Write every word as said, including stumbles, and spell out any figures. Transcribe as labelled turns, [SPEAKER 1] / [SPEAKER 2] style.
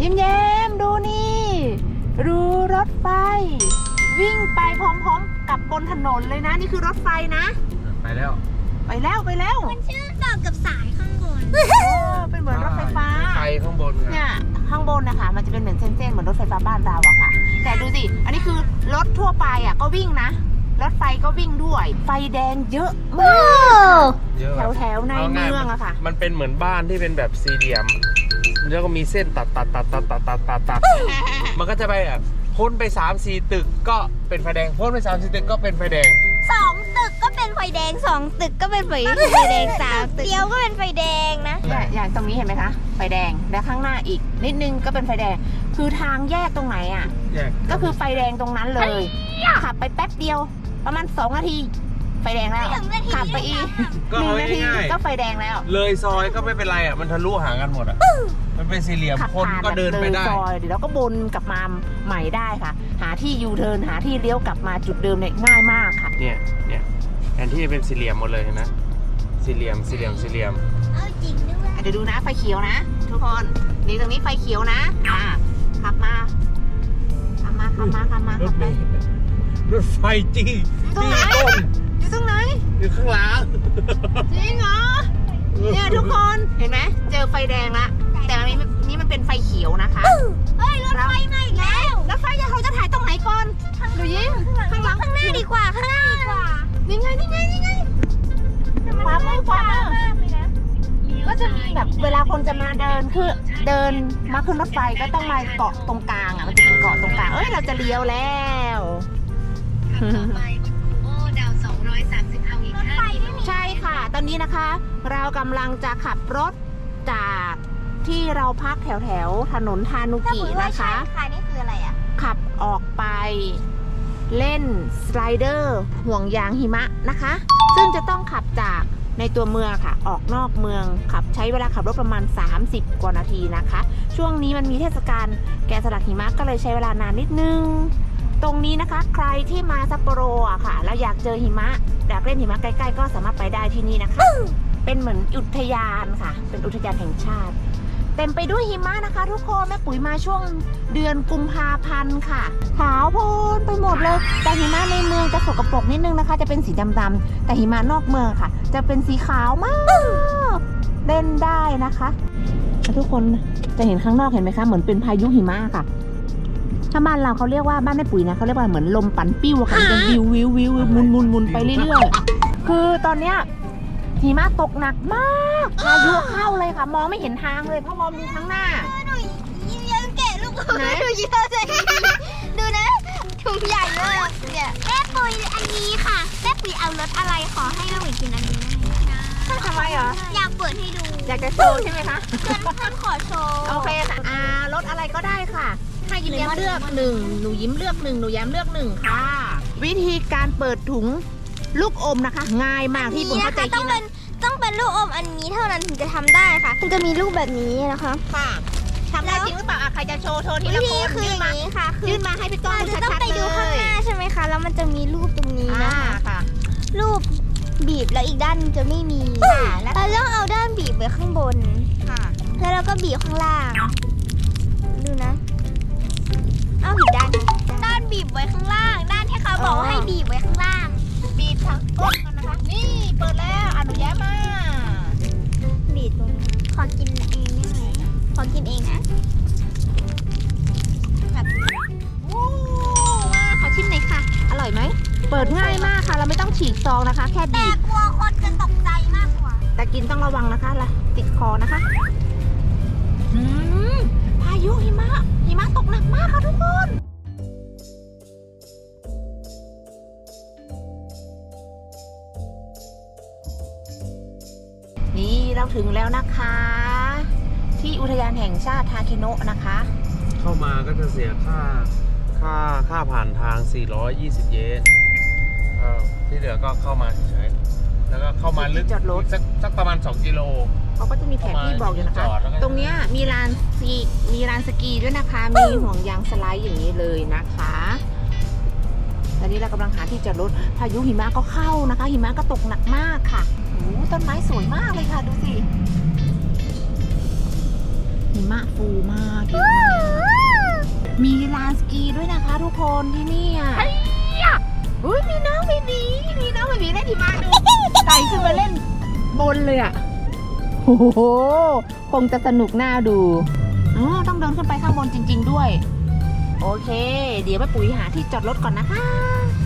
[SPEAKER 1] ยิ้มแย้มดูนี่ดูรถไฟวิ่งไปพร้อมๆกับบนถนนเลยนะนี่คือรถไฟนะ
[SPEAKER 2] ไปแล้ว
[SPEAKER 1] ไปแล้วไปแล้ว
[SPEAKER 3] มันเชื่อมต่อกับสายข้างบน
[SPEAKER 1] เป็นเหมือนรถไฟฟ้า
[SPEAKER 2] ไฟข้างบน
[SPEAKER 1] เนี่ยข้างบนนะคะมันจะเป็นเหมือนเส้นๆเหมือนรถไฟฟ้าบ้านเราอะค่ะแต่ดูสิอันนี้คือรถทั่วไปอะก็วิ่งนะรถไฟก็วิ่งด้วยไฟแดงเยอะมากแถวแถวในเมืองอะค่ะ
[SPEAKER 2] มันเป็นเหมือนบ้านที่เป็นแบบสี่เหลี่ยมแล้วก็มีเส้นตัดตัดตัดตัดตัดตัดตัดตัดมันก็จะไปแบบพ้นไปสามสี่ตึกก็เป็นไฟแดงพ้นไปสามสี่ตึกก็เป็นไฟแดง
[SPEAKER 3] สองตึกก็เป็นไฟแดงสองตึกก็เป็นไฟแดงสามตึกเดียวก็เป็นไฟแดงนะ
[SPEAKER 1] อย่างตรงนี้เห็นไหมคะไฟแดงและข้างหน้าอีกนิดนึงก็เป็นไฟแดงคือทางแยกตรงไหนอ่ะก็คือไฟแดงตรงนั้นเลยขับไปแป๊บเดียวประมาณสองนาทีไฟแดงแล้วขับไปอีกหนึ่งนาทีก็ไฟแดงแล้ว
[SPEAKER 2] เลยซอยก็ไม่เป็นไรอ่ะมันทะลุหากันหมดอ่ะมันเป็นสี่เหลี่ยมคนก็เดินไปได้
[SPEAKER 1] ซอยเดี๋ยวเราก็บนกลับมาใหม่ได้ค่ะหาที่ยูเทิร์นหาที่เลี้ยวกลับมาจุดเดิมเนี่ยง่ายมากค่ะ
[SPEAKER 2] เนี่ยเนี่ยแทนที่จะเป็นสี่เหลี่ยมหมดเลยนะสี่เหลี่ยมสี่เหลี่ยมสี่เหลี่ยม
[SPEAKER 3] เอาจริงด้วย
[SPEAKER 1] เดี๋ยวดูนะไฟเขียวนะทุกคนนี่ตรงนี้ไฟเขียวนะอ่าขับมาขับมาขับมาขับมาขับไป
[SPEAKER 2] รถไฟจี้จี้ต้น
[SPEAKER 1] อยู่ตรงไหน
[SPEAKER 2] อยู่ข้างหลัง
[SPEAKER 1] จริงเหรอเนี่ยทุกคนเห็นไหมเจอไฟแดงละแต่อันนี้นี่มันเป็นไฟเขียวนะคะ
[SPEAKER 3] เฮ้ยรถไฟมาอีกแล้ว
[SPEAKER 1] รถไฟเขาจะถ่ายตรงไหนก่อนดูยิ้ม
[SPEAKER 3] ข้างหลังข้างหน้าดีกว่าข้างหน้าดีกว่า
[SPEAKER 1] นี่ไงนี่ไงนี่ไงขวามือขวามือก็จะมีแบบเวลาคนจะมาเดินคือเดินมาขึ้นรถไฟก็ต้องมาเกาะตรงกลางอ่ะมันจะเป็นเกาะตรงกลางเอ้ยเราจะเลี้ยวแล้วใช่ค่ะตอนนี้นะคะเรากำลังจะขับรถจากที่เราพักแถวแถวถนนทานุกินะคะ
[SPEAKER 3] ค่ะนี่คืออะไรอ่ะ
[SPEAKER 1] ขับออกไปเล่นสไลเดอร์ห่วงยางหิมะนะคะซึ่งจะต้องขับจากในตัวเมืองค่ะออกนอกเมืองขับใช้เวลาขับรถประมาณสามสิบกว่านาทีนะคะช่วงนี้มันมีเทศกาลแกะสลักหิมะก็เลยใช้เวลานานนิดนึงตรงนี้นะคะใครที่มาซัปโปโรอ่ะค่ะแล้วอยากเจอหิมะอยากเล่นหิมะใกล้ๆก็สามารถไปได้ที่นี่นะคะเป็นเหมือนอุทยานค่ะเป็นอุทยานแห่งชาติเต็มไปด้วยหิมะนะคะทุกคนแม่ปุ๋ยมาช่วงเดือนกุมภาพันธ์ค่ะขาวโพลนไปหมดเลยแต่หิมะในเมืองจะสกปรกนิดนึงนะคะจะเป็นสีดำๆแต่หิมะนอกเมืองค่ะจะเป็นสีขาวมากเล่นได้นะคะทุกคนจะเห็นข้างนอกเห็นไหมคะเหมือนเป็นพายุหิมะค่ะถ้าบ้านเราเขาเรียกว่าบ้านแม่ปุ๋ยนะเขาเรียกว่าเหมือนลมปั่นปิ้วค่ะมันจะวิววิววิวมุนมุนมุนไปเรื่อยๆคือตอนเนี้ยหิมะตกหนักมากพายุเข้าเลยค่ะมองไม่เห็นทางเลยเพราะมองดูข้างหน้า
[SPEAKER 3] หนูยังแกะลูกไหนดูเยอะเลยดูนะถุงใหญ่เลยเนี่ยแม่ปุ๋ยอันนี้ค่ะแม่ปุ๋ยเอารสอะไรขอให้แม่ปุ๋ยกินอันนี้นะ
[SPEAKER 1] ทำไมเหรอ
[SPEAKER 3] อยากเปิดให้ดู
[SPEAKER 1] อยากจะโชว์ใช่ไหมคะ
[SPEAKER 3] เพื่อนเพื่อนขอโชว์
[SPEAKER 1] โอเคค่ะอ่ารสอะไรก็ได้ค่ะให้ยิ้มแย้มเลือกหนึ่งหนูยิ้มเลือกหนึ่งหนูแย้มเลือกหนึ่งค่ะวิธีการเปิดถุงลูกอมนะคะง่ายมากที่ผมเข้าใจ
[SPEAKER 3] ต้องเป็นต้องเป็นลูกอมอันนี้เท่านั้นถึงจะทำได้ค่ะมันจะมีลูกแบบนี้นะคะ
[SPEAKER 1] ค่ะทำได้จริงหรือเปล่าใครจะโชว์โชว์ทีละคน
[SPEAKER 3] คืออย่างนี้ค่ะ
[SPEAKER 1] ยื่นมาให้พี่ก้องดูชัดๆเลย
[SPEAKER 3] ต้องไปดูข้างหน้าใช่ไหมคะแล้วมันจะมีรูปตรงนี้นะคะรูปบีบแล้วอีกด้านจะไม่มีแล้วเราต้องเอาด้านบีบไว้ข้างบน
[SPEAKER 1] ค่ะ
[SPEAKER 3] แล้วเราก็บีบข้างล่างดูนะเอาอีกด้านด้านบีบไว้ข้างล่างด้านที่เขาบอกว่าให้บีบไว้ข้างล่าง
[SPEAKER 1] บีบทั้งก้นกันนะคะนี่เปิดแล้วอนุญาตมา
[SPEAKER 3] บีบตรงนี้ขอกินเองได้ไหมขอกินเองนะ
[SPEAKER 1] แบบวู้มาขอชิมหน่อยค่ะอร่อยไหมเปิดง่ายมากค่ะเราไม่ต้องฉีกซองนะคะแค่บี
[SPEAKER 3] บแต่กลัวคนจะตกใจมากกว่า
[SPEAKER 1] แต่กินต้องระวังนะคะล่ะติดคอนะคะอืมพายุหิมะหิมะตกหนักมากค่ะทุกคนนี่เราถึงแล้วนะคะที่อุทยานแห่งชาติทาเคโนะนะคะ
[SPEAKER 2] เข้ามาก็จะเสียค่าค่าค่าผ่านทางสี่ร้อยยี่สิบเยนที่เหลือก็เข้ามาเฉยๆแล้วก็เข้ามาลึก
[SPEAKER 1] จอดรถ
[SPEAKER 2] สักสักประมาณสองกิโล
[SPEAKER 1] เขาก็จะมีแผนที่บอกอยู่นะคะตรงเนี้ยมีลานสกีมีลานสกีด้วยนะคะมีห่วงยางสไลด์อย่างนี้เลยนะคะตอนนี้เรากำลังหาที่จอดรถพายุหิมะก็เข้านะคะหิมะก็ตกหนักมากค่ะโอ้ต้นไม้สวยมากเลยค่ะดูสิหิมะฟูมากเยอะมากมีลานสกีด้วยนะคะทุกคนที่นี่อ่ะอุ้ยมีน้องเบบีมีน้องเบบีเล่นหิมะดูไต่ขึ้นมาเล่นบนเลยอ่ะโอ้โหคงจะสนุกน่าดูอ๋อต้องเดินขึ้นไปข้างบนจริง ๆด้วย โอเค เดี๋ยวแม่ปุ๋ยหาที่จอดรถก่อนนะคะ